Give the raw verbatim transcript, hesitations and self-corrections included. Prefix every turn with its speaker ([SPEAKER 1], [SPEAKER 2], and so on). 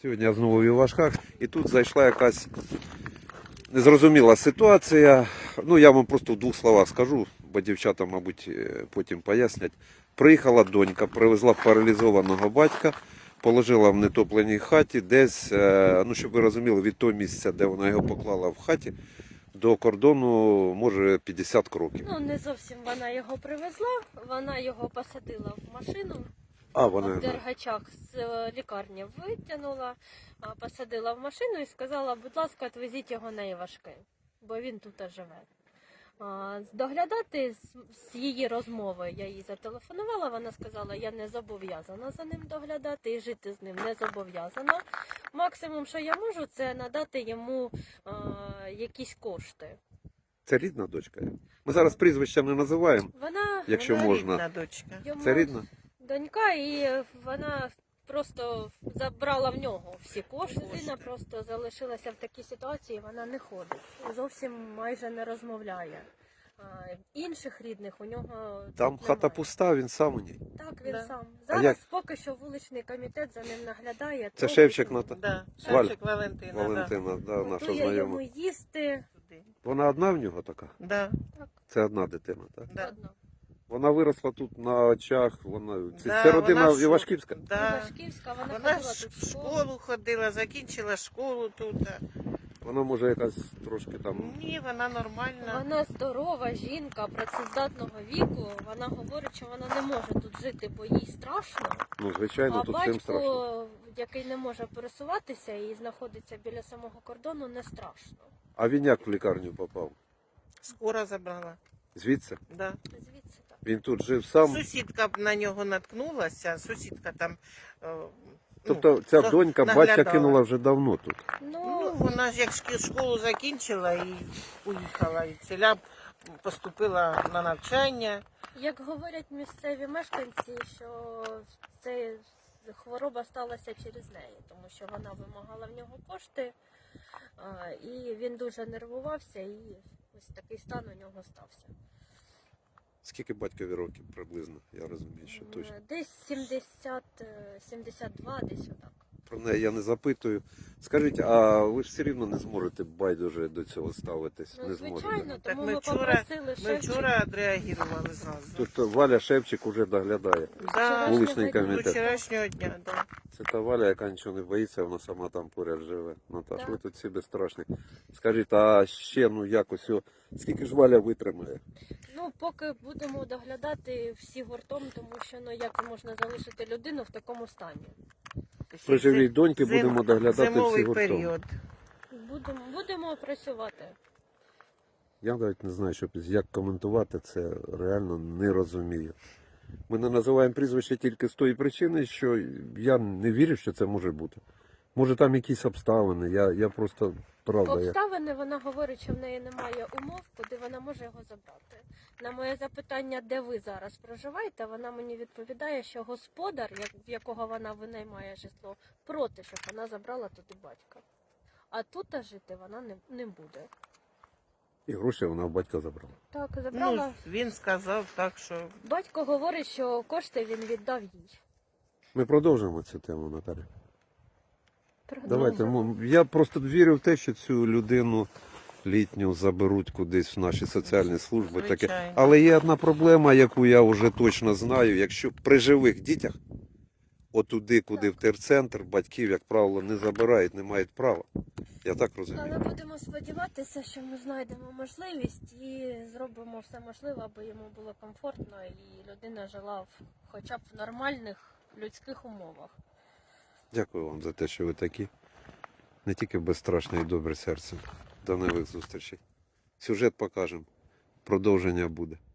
[SPEAKER 1] Сьогодні я знову в Івашках, і тут зайшла якась незрозуміла ситуація. Ну, я вам просто в двох словах скажу, бо дівчата, мабуть, потім пояснять. Приїхала донька, привезла паралізованого батька, положила в нетопленій хаті десь, ну, щоб ви розуміли, від того місця, де вона його поклала в хаті, до кордону, може, п'ятдесят кроків.
[SPEAKER 2] Ну, не зовсім вона його привезла, вона його посадила в машину.
[SPEAKER 1] А, вона...
[SPEAKER 2] В Дергачах з лікарні витягнула, посадила в машину і сказала, будь ласка, відвезіть його на Івашки, бо він тут живе. Доглядати з її розмови, я їй зателефонувала, вона сказала, я не зобов'язана за ним доглядати і жити з ним не зобов'язана. Максимум, що я можу, це надати йому а, якісь кошти.
[SPEAKER 1] Це рідна дочка? Ми зараз прізвища не називаємо,
[SPEAKER 2] Вона,
[SPEAKER 1] якщо
[SPEAKER 3] вона
[SPEAKER 1] можна.
[SPEAKER 3] рідна дочка.
[SPEAKER 2] Йому
[SPEAKER 1] Це рідна?
[SPEAKER 2] донька, і вона просто забрала в нього всі кошти.
[SPEAKER 3] Кошти.
[SPEAKER 2] Вона просто залишилася в такій ситуації, вона не ходить. Зовсім майже не розмовляє. А, інших рідних у нього
[SPEAKER 1] Там
[SPEAKER 2] тут
[SPEAKER 1] хата
[SPEAKER 2] немає.
[SPEAKER 1] пуста, він сам у ній.
[SPEAKER 2] Так, він
[SPEAKER 3] Да.
[SPEAKER 2] сам.
[SPEAKER 1] А
[SPEAKER 2] Зараз
[SPEAKER 1] як?
[SPEAKER 2] поки що вуличний комітет за ним наглядає.
[SPEAKER 1] Це
[SPEAKER 2] трохи
[SPEAKER 1] Шевчик
[SPEAKER 2] тут
[SPEAKER 1] Ната?
[SPEAKER 3] Да.
[SPEAKER 1] Валь.
[SPEAKER 3] Шевчик Валентина.
[SPEAKER 1] Валентина, да, наша
[SPEAKER 2] готує йому
[SPEAKER 1] знайома.
[SPEAKER 2] їсти.
[SPEAKER 3] Да.
[SPEAKER 1] Вона одна в нього така?
[SPEAKER 3] Да.
[SPEAKER 1] Це одна дитина, так?
[SPEAKER 3] Да.
[SPEAKER 2] Одно.
[SPEAKER 1] Вона виросла тут на очах, вона... Це,
[SPEAKER 3] Да,
[SPEAKER 1] це родина
[SPEAKER 3] вона ж-
[SPEAKER 1] Івашківська?
[SPEAKER 3] Да.
[SPEAKER 2] Івашківська, вона,
[SPEAKER 3] Вона
[SPEAKER 2] ходила
[SPEAKER 3] ж
[SPEAKER 2] тут
[SPEAKER 3] в школу ходила, закінчила школу тут.
[SPEAKER 1] Вона може якась трошки там...
[SPEAKER 3] Ні, вона нормальна.
[SPEAKER 2] Вона здорова жінка, працездатного віку. Вона говорить, що вона не може тут жити, бо їй страшно.
[SPEAKER 1] Ну, звичайно,
[SPEAKER 2] А
[SPEAKER 1] тут всім страшно.
[SPEAKER 2] батько, який не може пересуватися і знаходиться біля самого кордону, не страшно.
[SPEAKER 1] А він як в лікарню попав?
[SPEAKER 3] Скоро забрала.
[SPEAKER 1] Звідси?
[SPEAKER 3] Да.
[SPEAKER 2] Звідси так.
[SPEAKER 1] Він тут жив сам?
[SPEAKER 3] Сусідка б на нього наткнулася, сусідка там. е,
[SPEAKER 1] Тобто ця
[SPEAKER 3] ну,
[SPEAKER 1] донька
[SPEAKER 3] наглядала.
[SPEAKER 1] батька кинула вже давно тут?
[SPEAKER 3] Ну,
[SPEAKER 2] Ну,
[SPEAKER 3] вона ж як шкі- школу закінчила і уїхала. І ціля поступила на навчання.
[SPEAKER 2] як говорять місцеві мешканці, що це хвороба сталася через неї, тому що вона вимагала в нього кошти, а, і він дуже нервувався, і ось такий стан у нього стався.
[SPEAKER 1] Скільки батькові років приблизно? Я розумію, що точно.
[SPEAKER 2] Е, Десь сімдесят, е, сімдесят два, десь отак.
[SPEAKER 1] Про неї я не запитую. Скажіть, а ви ж все рівно не зможете байдуже до цього ставитись?
[SPEAKER 2] Ну,
[SPEAKER 1] не зможете?
[SPEAKER 2] звичайно,
[SPEAKER 3] Так
[SPEAKER 2] тому
[SPEAKER 3] ми
[SPEAKER 2] ми
[SPEAKER 3] вчора-
[SPEAKER 2] попросили
[SPEAKER 3] Ми
[SPEAKER 2] Шевчика.
[SPEAKER 3] вчора відреагували зразу.
[SPEAKER 1] Тобто Валя Шевчик уже доглядає.
[SPEAKER 3] Да,
[SPEAKER 1] Вуличний
[SPEAKER 2] дня.
[SPEAKER 3] з
[SPEAKER 1] комітет.
[SPEAKER 3] вчорашнього дня, да.
[SPEAKER 1] Це та Валя, яка нічого не боїться, вона сама там поряд живе. Наташ,
[SPEAKER 2] Так.
[SPEAKER 1] ви тут всі безстрашні. Скажіть, а ще ну якось, о, скільки ж Валя витримає?
[SPEAKER 2] Ну, поки будемо доглядати всі гуртом, тому що ну як можна залишити людину в такому стані.
[SPEAKER 1] При живій доньки
[SPEAKER 3] Зим-
[SPEAKER 1] будемо доглядати всі
[SPEAKER 3] Зимовий
[SPEAKER 1] гуртом.
[SPEAKER 3] період.
[SPEAKER 2] Будемо, будемо працювати.
[SPEAKER 1] Я навіть не знаю, що як коментувати це, реально не розумію. Ми не називаємо прізвище тільки з тої причини, що я не вірю, що це може бути. Може там якісь обставини, я, я просто, правда, я...
[SPEAKER 2] Обставини, вона говорить, що в неї немає умов, куди вона може його забрати. На моє запитання, де ви зараз проживаєте, вона мені відповідає, що господар, як- в якого вона винаймає житло, проти, щоб вона забрала туди батька. А тут жити вона не, не буде.
[SPEAKER 1] І гроші вона в батька забрала.
[SPEAKER 2] Так,
[SPEAKER 3] Ну,
[SPEAKER 2] забрала.
[SPEAKER 3] він сказав так, що
[SPEAKER 2] Батько говорить, що кошти він віддав їй.
[SPEAKER 1] Ми продовжимо цю тему, Наталя. Давайте,
[SPEAKER 2] Продовжуємо.
[SPEAKER 1] ну, я просто вірю в те, що цю людину літню заберуть кудись в наші соціальні служби. Таке.
[SPEAKER 3] Звичайно.
[SPEAKER 1] Але є одна проблема, яку я вже точно знаю. Якщо при живих дітях, отуди, куди в терцентр, батьків, як правило, не забирають, не мають права. Я так
[SPEAKER 2] Але
[SPEAKER 1] розумію.
[SPEAKER 2] будемо сподіватися, що ми знайдемо можливість і зробимо все можливе, аби йому було комфортно і людина жила в, хоча б в нормальних людських умовах.
[SPEAKER 1] Дякую вам за те, що ви такі. Не тільки безстрашне і добре серце. До нових зустрічей. Сюжет покажемо. Продовження буде.